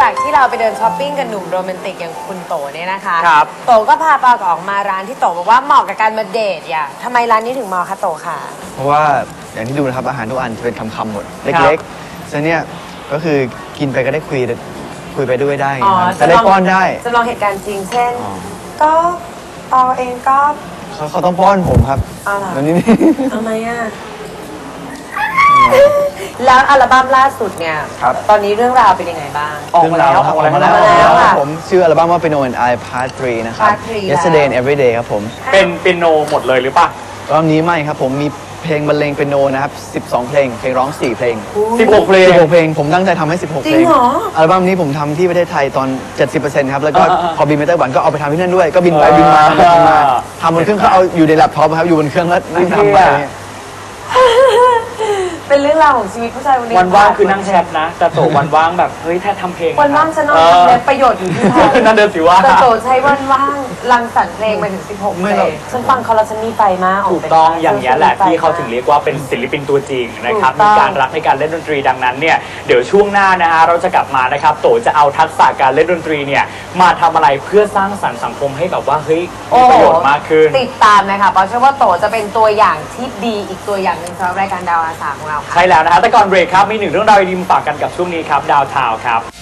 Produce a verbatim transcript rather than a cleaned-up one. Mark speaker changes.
Speaker 1: จากที่เราไปเดินช้อปปิ้งกับหนุ่มโรแมนติกอย่างคุณโตเนี่ยนะคะ
Speaker 2: ครับ
Speaker 1: โตก็พาปากออกมาร้านที่โตบอกว่าเหมาะกับการมาเดทอย่าทำไมร้านนี้ถึงเหมาะคะโตค่ะ
Speaker 3: เพราะว่าอย่างที่ดูนะครับอาหารทุกอันจะเป็นคำๆหมดเล็กๆฉะนั้นเนี่ยก็คือกินไปก็ได้คุยคุยไปด้วยได้
Speaker 1: อ๋อ
Speaker 3: ครับจะได้ป้อนได้
Speaker 1: จำลองเหตุการณ์จริงเช่น
Speaker 3: อ๋อ
Speaker 1: ก็ตอเองก็
Speaker 3: เขาเขาต้องป้อนผมครับ
Speaker 1: เอาล่ะ
Speaker 3: แล้วนี่
Speaker 1: ทำไมอ่ะ แล้วอัลบั้มล่าสุดเนี่ย
Speaker 3: ครับ
Speaker 1: ตอนนี้เรื่องราวเป็นยังไงบ้าง
Speaker 2: ออกมาแล้ว
Speaker 3: ครับ
Speaker 2: ออกมาแล้ว
Speaker 3: ออกมาแล้ว
Speaker 1: ออกมาแล้ว
Speaker 3: ครับผมชื่ออัลบั้มว่า Piano and I Part ทรีนะครับ
Speaker 1: Part ทรี
Speaker 3: Yesterday and Everyday ครับผม
Speaker 2: เป็นเปียโนหมดเลยหรือปะ
Speaker 3: รอบนี้ไม่ครับผมมีเพลงบรรเลงเปียโนนะครับสิบสองเพลงเพลงร้องสี่เพลง
Speaker 2: สิบหกเพลง
Speaker 3: สิบหกเพลงผมตั้งใจทำให้สิบหก
Speaker 1: จริ
Speaker 3: เพล
Speaker 1: ง
Speaker 3: ง
Speaker 1: เหรอ
Speaker 3: อัลบั้มนี้ผมทำที่ประเทศไทยตอน เจ็ดสิบเปอร์เซ็นต์ ครับแล้วก็
Speaker 2: อ่าๆ
Speaker 3: พอบินไปไต้หวันก็เอาไปทำที่นั่นด้วยก็บินไปบินมา
Speaker 2: อ่า
Speaker 3: ทำไปทำมาทำบนเครื่องเขาเอาอยู่ในแล็ปท็อปครับอยู่บนเครื่องแล้วนั่งทำไป
Speaker 1: เป็นเรื่องราวของชีวิตผู้ชายคนนี้
Speaker 2: วันว่างคือนั่งแชทนะแต่โตวันว่างแบบเฮ้ยแท้ทำเพลง
Speaker 1: วันว่างฉันนอน
Speaker 2: เออ
Speaker 1: ทำเลยประโยชน์อยู่ที่ไทย
Speaker 2: นั่นเดินสิว่า
Speaker 1: แต่โตใช้วันว่างรังสรรค์เพลงมาถึงสิบหกเพ
Speaker 3: ไม่
Speaker 1: ล
Speaker 3: หรอก
Speaker 1: งฉันฟังเขาแล้วฉันมีไฟมาก
Speaker 2: ถูกต้องอย่างนี้ยแหละที่เขาถึงเรียกว่าเป็นศิลปินตัวจริงนะครับ
Speaker 1: ถูกต้
Speaker 2: มี
Speaker 1: อง
Speaker 2: การรักในการเล่นดนตรีดังนั้นเนี่ยเดี๋ยวช่วงหน้านะฮะเราจะกลับมานะครับโตจะเอาทักษะการเล่นดนตรีเนี่ยมาทำอะไรเพื่อสร้างสรรค์สังคมให้แบบว่าเฮ้ยมีประโยชน์มากขึ้น
Speaker 1: ติดตามนะคะเพราะเชื่อว่าโตจะเป็นตัวอย่างที่ดีอีกตัวอย่างหนึ่งสำหรับรายการดาวอาสาของเราค่ะ
Speaker 2: ใช่แล้วนะฮะแต่ก่อนเบรกครับมีหนึ่งเรื่องราวดีๆมาฝากกันกับช่วงนี้ครับดาวทาวครับ